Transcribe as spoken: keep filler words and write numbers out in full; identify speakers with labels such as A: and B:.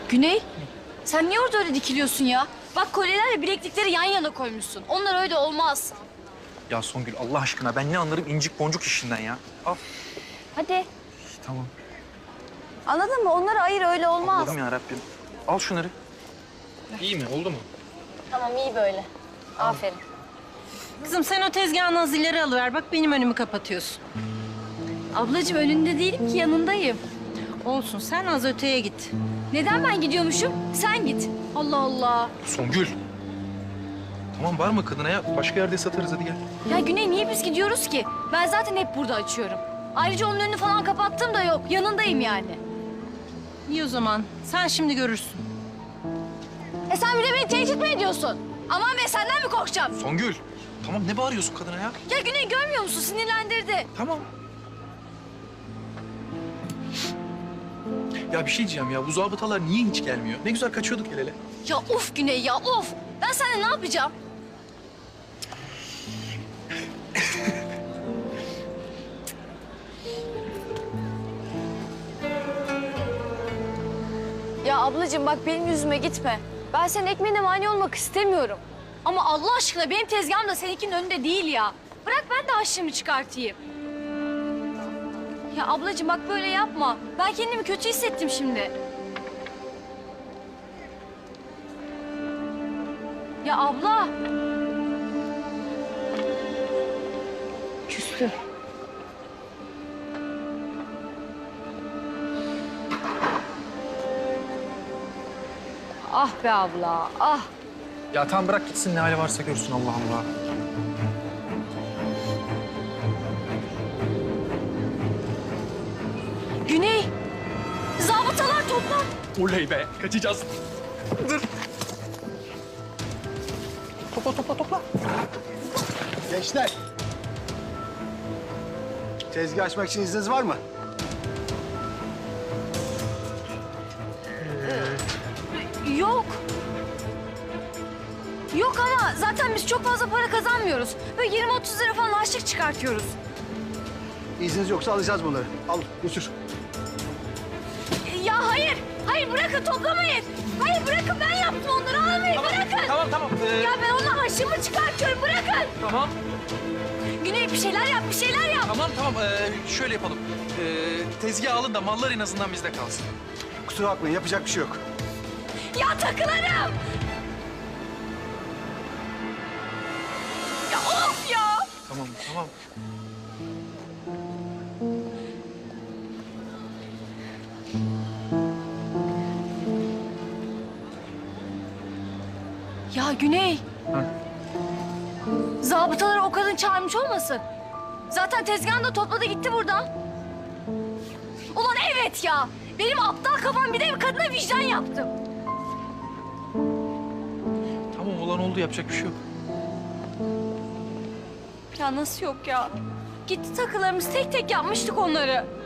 A: Güney, sen niye orada öyle dikiliyorsun ya? Bak kolyelerle bileklikleri yan yana koymuşsun. Onlar öyle olmaz.
B: Ya Songül Allah aşkına ben ne anlarım incik boncuk işinden ya. Al.
A: Hadi.
B: Tamam.
A: Anladın mı? Onları ayır, öyle olmaz.
B: Allah'ım yarabbim. Al şunları. İyi mi? Oldu mu?
A: Tamam, iyi böyle. Aferin.
C: Kızım sen o tezgahın az ileri alıver. Bak benim önümü kapatıyorsun.
A: Ablacığım önünde değilim ki, yanındayım.
C: Olsun sen az öteye git.
A: Neden ben gidiyormuşum? Sen git. Allah Allah.
B: Songül. Tamam bağırma kadına ya. Başka yerde satarız hadi gel.
A: Ya Güney, niye biz gidiyoruz ki? Ben zaten hep burada açıyorum. Ayrıca onun önünü falan kapattım da yok. Yanındayım yani.
C: İyi o zaman. Sen şimdi görürsün.
A: E sen bir de beni tehdit mi ediyorsun? Aman be, senden mi korkacağım?
B: Songül. Tamam ne bağırıyorsun kadına ya?
A: Ya Güney, görmüyor musun? Sinirlendirdi.
B: Tamam. Ya bir şey diyeceğim ya. Bu zabıtalar niye hiç gelmiyor? Ne güzel kaçıyorduk el ele.
A: Ya of Güney ya, of. Ben seninle ne yapacağım? Ya ablacığım bak, benim yüzüme gitme. Ben senin ekmeğine mani olmak istemiyorum. Ama Allah aşkına benim tezgahım da seninkinin önünde değil ya. Bırak ben de harçlığımı çıkartayım. Ya ablacığım bak, böyle yapma. Ben kendimi kötü hissettim şimdi. Ya abla. Küstü. Ah be abla, ah.
B: Ya tamam bırak gitsin ne hali varsa görsün Allah Allah.
A: Güney, zabıtalar toplan.
B: Oley be kaçacağız. Dur. Topla topla topla.
D: Gençler. Tezgah açmak için izniniz var mı?
A: Yok. Yok ana, zaten biz çok fazla para kazanmıyoruz. Böyle yirmi otuz lira falan harçlık çıkartıyoruz.
D: İzniniz yoksa alacağız bunları. Al, götür.
A: Ya hayır, hayır bırakın, toplamayın. Hayır bırakın, ben yaptım onları, almayın, bırakın.
B: Tamam tamam. Ee,
A: Ya ben onunla harçlığımı çıkartıyorum, bırakın.
B: Tamam.
A: Güney bir şeyler yap, bir şeyler yap.
B: Tamam tamam. Ee, şöyle yapalım. Ee, tezgah alın da mallar en azından bizde kalsın.
D: Kusura bakmayın, yapacak bir şey yok.
A: Ya takılarım. Ya of ya.
B: Tamam tamam.
A: Ya Güney.
B: Hı.
A: Zabıtaları o kadın çağırmış olmasın? Zaten tezgahını da topladı gitti buradan. Ulan evet ya. Benim aptal kafam, bir de bir kadına vicdan yaptım.
B: Tamam olan oldu yapacak bir şey yok.
A: Ya nasıl yok ya? Gitti takılarımız, tek tek yapmıştık onları.